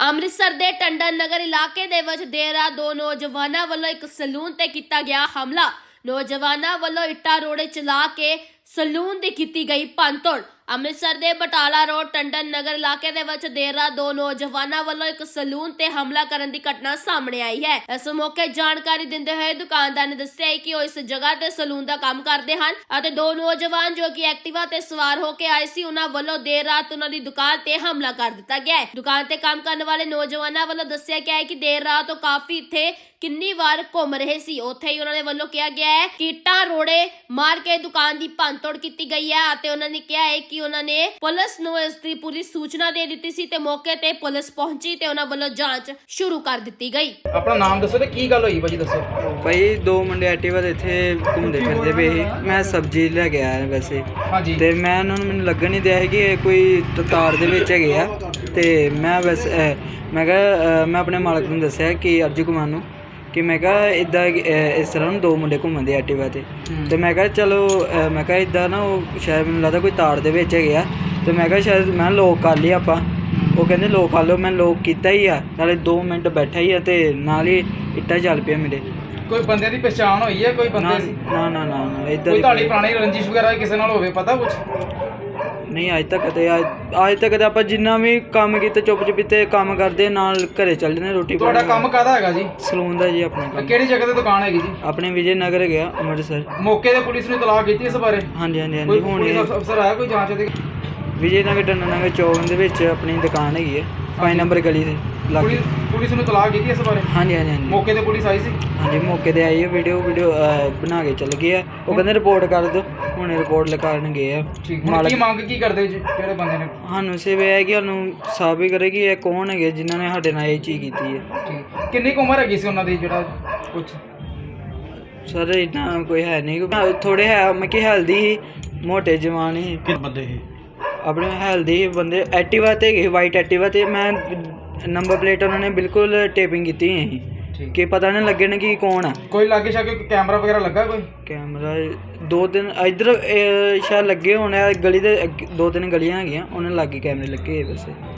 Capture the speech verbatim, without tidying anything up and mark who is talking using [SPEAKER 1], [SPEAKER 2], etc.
[SPEAKER 1] ਅੰਮ੍ਰਿਤਸਰ ਦੇ ਟੰਡਨ ਨਗਰ ਇਲਾਕੇ ਦੇ ਵਿੱਚ ਦੇਰ ਰਾਤ ਦੋ ਨੌਜਵਾਨਾਂ ਵੱਲੋਂ ਇੱਕ ਸਲੂਨ ਤੇ ਕੀਤਾ ਗਿਆ ਹਮਲਾ। ਨੌਜਵਾਨਾਂ ਵੱਲੋਂ ਇੱਟਾਂ ਰੋੜੇ ਚਲਾ ਕੇ ਸਲੂਨ ਦੀ ਕੀਤੀ ਗਈ ਭੰਨਤੋੜ। ਅੰਮ੍ਰਿਤਸਰ ਦੇ ਬਟਾਲਾ ਰੋਡ ਟੰਡਨ ਨਗਰ ਇਲਾਕੇ ਦੇ ਵਿੱਚ ਦੇਰ ਰਾਤ ਦੋ ਨੌਜਵਾਨਾਂ ਵੱਲੋਂ ਇੱਕ ਸਲੂਨ ਤੇ ਹਮਲਾ ਕਰਨ ਦੀ ਘਟਨਾ ਸਾਹਮਣੇ ਆਈ ਹੈ। ਇਸ ਮੌਕੇ ਜਾਣਕਾਰੀ ਦਿੰਦੇ ਹੋਏ ਦੁਕਾਨਦਾਰ ਨੇ ਦੱਸਿਆ ਕਿ ਉਹ ਇਸ ਜਗ੍ਹਾ ਤੇ ਸਲੂਨ ਦਾ ਕੰਮ ਕਰਦੇ ਹਨ ਅਤੇ ਦੋ ਨੌਜਵਾਨ ਜੋ ਕਿ ਐਕਟਿਵਾ ਤੇ ਸਵਾਰ ਹੋ ਕੇ ਆਏ ਸੀ, ਉਹਨਾਂ ਵੱਲੋਂ ਦੇਰ ਰਾਤ ਉਹਨਾਂ ਦੀ ਦੁਕਾਨ ਤੇ ਹਮਲਾ ਕਰ ਦਿੱਤਾ ਗਿਆ ਹੈ। ਦੁਕਾਨ ਤੇ ਕੰਮ ਕਰਨ ਵਾਲੇ ਨੌਜਵਾਨਾਂ ਵੱਲੋਂ ਦੱਸਿਆ ਗਿਆ ਹੈ ਕਿ ਦੇਰ ਰਾਤ ਉਹ ਕਾਫੀ ਇੱਥੇ ਕਿੰਨੀ ਵਾਰ ਘੁੰਮ ਰਹੇ ਸੀ। ਉੱਥੇ ਹੀ ਉਹਨਾਂ ਦੇ ਵੱਲੋਂ ਕਿਹਾ ਗਿਆ ਹੈ ਕਿ ਇੱਟਾਂ ਰੋੜੇ ਮਾਰ ਕੇ ਦੁਕਾਨ ਦੀ ਭੰਨਤੋੜ ਕੀਤੀ ਗਈ ਹੈ ਅਤੇ ਉਹਨਾਂ ਨੇ ਕਿਹਾ ਹੈ ਕਿ ਉਹਨਾਂ ਨੇ ਪੁਲਿਸ ਨੂੰ ਇਸ ਦੀ ਪੂਰੀ ਸੂਚਨਾ ਦੇ ਦਿੱਤੀ ਸੀ ਤੇ ਮੌਕੇ ਤੇ ਪੁਲਿਸ ਪਹੁੰਚੀ ਤੇ ਉਹਨਾਂ ਵੱਲੋਂ ਜਾਂਚ ਸ਼ੁਰੂ ਕਰ ਦਿੱਤੀ ਗਈ।
[SPEAKER 2] ਆਪਣਾ ਨਾਮ ਦੱਸੋ ਤੇ ਕੀ ਗੱਲ ਹੋਈ ਭਾਜੀ ਦੱਸੋ।
[SPEAKER 3] ਭਾਈ ਦੋ ਮੁੰਡੇ ਐਕਟਿਵਾ ਤੇ ਇੱਥੇ ਘੁੰਮਦੇ ਫਿਰਦੇ ਪਏ ਸੀ। ਮੈਂ ਸਬਜ਼ੀ ਲੈ ਕੇ ਆਇਆ ਵੈਸੇ
[SPEAKER 2] ਹਾਂਜੀ
[SPEAKER 3] ਤੇ ਮੈਂ ਉਹਨਾਂ ਨੂੰ ਮੈਨੂੰ ਲੱਗਣ ਨਹੀਂ ਦਿਆ ਸੀ ਕਿ ਇਹ ਕੋਈ ਤਾਰ ਦੇ ਵਿੱਚ ਹੈਗੇ ਆ ਤੇ ਮੈਂ ਵੈਸੇ ਮੈਂ ਕਿਹਾ ਮੈਂ ਆਪਣੇ ਮਾਲਕ ਨੂੰ ਦੱਸਿਆ ਕਿ ਅਰਜੂ ਕੁਮਾਰ ਨੂੰ ਕਿ ਮੈਂ ਕਿਹਾ ਇੱਦਾਂ ਇਸ ਤਰ੍ਹਾਂ ਨੂੰ ਦੋ ਮੁੰਡੇ ਘੁੰਮਣ ਦੇ ਐਕਟਿਵਾ ਤੇ ਤੇ ਮੈਂ ਕਿਹਾ ਚਲੋ ਮੈਂ ਕਿਹਾ ਇੱਦਾਂ ਨਾ ਉਹ ਸ਼ਾਇਦ ਮੈਨੂੰ ਲੱਗਦਾ ਕੋਈ ਤਾਰ ਦੇ ਵਿੱਚ ਹੈਗੇ ਆ ਤੇ ਮੈਂ ਕਿਹਾ ਸ਼ਾਇਦ ਮੈਂ ਲੋਕ ਕਰ ਲਈ ਆਪਾਂ। ਉਹ ਕਹਿੰਦੇ ਲੋਕ ਕਰ ਲਓ, ਮੈਂ ਲੋਕ ਕੀਤਾ ਹੀ ਆ, ਨਾਲੇ ਦੋ ਮਿੰਟ ਬੈਠਾ ਹੀ ਆ ਤੇ ਨਾਲ ਹੀ ਇੱਟਾਂ ਚੱਲ ਪਿਆ ਮੇਰੇ।
[SPEAKER 2] ਕੋਈ ਬੰਦੇ ਦੀ ਪਛਾਣ ਹੋਈ ਹੈ? ਕੋਈ ਬੰਦੇ ਸੀ?
[SPEAKER 3] ਨਾ ਨਾ ਨਾ ਨਾ ਇੱਦਾਂ
[SPEAKER 2] ਕੋਈ ਤੁਹਾਡੀ ਪੁਰਾਣੀ ਰੰਜਿਸ਼ ਵਗੈਰਾ ਕਿਸੇ ਨਾਲ ਹੋਵੇ ਪਤਾ ਕੁਝ?
[SPEAKER 3] ਨਹੀਂ ਅੱਜ ਤੱਕ ਤੇ ਅੱਜ ਤੱਕ ਤਾਂ ਆਪਾਂ ਜਿੰਨਾ ਵੀ ਕੰਮ ਕੀਤਾ ਚੁੱਪ ਚੁਪੀਤੇ ਕੰਮ ਕਰਦੇ ਨਾਲ ਘਰੇ ਚੱਲ ਜਾਂਦੇ ਰੋਟੀ।
[SPEAKER 2] ਤੁਹਾਡਾ ਕੰਮ ਕਾਹਦਾ ਹੈਗਾ ਜੀ?
[SPEAKER 3] ਸਲੂਨ ਦਾ ਜੀ ਆਪਣਾ ਕੰਮ।
[SPEAKER 2] ਕਿਹੜੀ ਜਗ੍ਹਾ ਤੇ ਦੁਕਾਨ ਹੈਗੀ ਜੀ?
[SPEAKER 3] ਆਪਣੇ ਵਿਜੇ ਨਗਰ ਗਿਆ ਅੰਮ੍ਰਿਤਸਰ।
[SPEAKER 2] ਮੌਕੇ ਤੇ ਪੁਲਿਸ ਨੇ ਇਤਲਾਹ ਕੀਤੀ ਇਸ ਬਾਰੇ?
[SPEAKER 3] ਹਾਂਜੀ ਹਾਂਜੀ ਹਾਂਜੀ
[SPEAKER 2] ਕੋਈ
[SPEAKER 3] ਹੁਣ
[SPEAKER 2] ਪੁਲਿਸ ਅਫਸਰ ਆਇਆ ਕੋਈ ਜਾਂਚ ਦੇ?
[SPEAKER 3] ਵਿਜੇ ਨਗਰ ਟੰਡਨ ਨਗਰ ਚੌਕ ਦੇ ਵਿੱਚ ਆਪਣੀ ਦੁਕਾਨ ਹੈਗੀ ਹੈ ਪੰਜ ਨੰਬਰ ਗਲੀ ਦੇ ਲਾਗੇ।
[SPEAKER 2] ਪੁਲਿਸ ਪੁਲਿਸ ਨੂੰ ਇਤਲਾਹ ਕੀਤੀ ਇਸ ਬਾਰੇ?
[SPEAKER 3] ਹਾਂਜੀ ਹਾਂਜੀ ਹਾਂਜੀ
[SPEAKER 2] ਮੌਕੇ ਤੇ ਪੁਲਿਸ ਆਈ ਸੀ?
[SPEAKER 3] ਹਾਂਜੀ ਮੌਕੇ ਤੇ ਆਈ ਹੈ, ਵੀਡੀਓ ਵੀਡੀਓ ਬਣਾ ਕੇ ਚੱਲ ਗਏ ਆ। ਉਹ ਕਹਿੰਦੇ ਰਿਪੋਰਟ ਕਰ ਦਿਓ, ਹੁਣ ਰਿਪੋਰਟ ਲਿਖਾਉਣ ਗਏ ਆ।
[SPEAKER 2] ਠੀਕ, ਹੁਣ ਕੀ ਮੰਗ ਕੀ ਕਰਦੇ ਜੀ ਜਿਹੜੇ ਬੰਦੇ ਨੇ?
[SPEAKER 3] ਸਾਨੂੰ ਸਿਰਫ ਇਹ ਹੈ ਕਿ ਸਾਨੂੰ ਸਾਬਿਤ ਕਰੇ ਕਿ ਇਹ ਕੌਣ ਹੈਗੇ ਜਿਨ੍ਹਾਂ ਨੇ ਸਾਡੇ ਨਾਲ ਇਹ ਚੀਜ਼ ਕੀਤੀ ਹੈ।
[SPEAKER 2] ਠੀਕ, ਕਿੰਨੀ ਕੁ ਉਮਰ ਹੈਗੀ ਸੀ ਉਹਨਾਂ ਦੀ ਜਿਹੜਾ ਕੁਝ?
[SPEAKER 3] ਸਰ ਇੰਨਾ ਕੋਈ ਹੈ ਨਹੀਂ, ਥੋੜੇ ਹੈ ਮੈਂ ਕਿ ਹੈਲਦੀ ਸੀ, ਮੋਟੇ ਜਵਾਨ ਸੀ।
[SPEAKER 4] ਕਿ ਬੰਦੇ ਸੀ
[SPEAKER 3] ਆਪਣੇ ਹੈਲਦੀ ਬੰਦੇ ਐਕਟਿਵਾ ਤੇ ਗਏ, ਵਾਈਟ ਐਕਟਿਵਾ ਤੇ। ਮੈਂ ਨੰਬਰ ਪਲੇਟ ਉਹਨਾਂ ਨੇ ਬਿਲਕੁਲ ਟੇਪਿੰਗ ਕੀਤੀ ਹੋਈ ਸੀ ਕਿ ਪਤਾ ਨਹੀਂ ਲੱਗੇ ਨਾ ਕਿ ਕੌਣ ਆ।
[SPEAKER 2] ਕੋਈ ਲਾਗੇ ਸ਼ਾਗੇ ਕੈਮਰਾ ਵਗੈਰਾ ਲੱਗਾ? ਕੋਈ
[SPEAKER 3] ਕੈਮਰਾ ਦੋ ਤਿੰਨ ਇੱਧਰ ਸ਼ਾਇਦ ਲੱਗੇ ਹੋਣੇ, ਗਲੀ ਦੇ ਦੋ ਤਿੰਨ ਗਲੀਆਂ ਹੈਗੀਆਂ ਉਹਨਾਂ ਲਾਗੇ ਕੈਮਰੇ ਲੱਗੇ ਵੈਸੇ।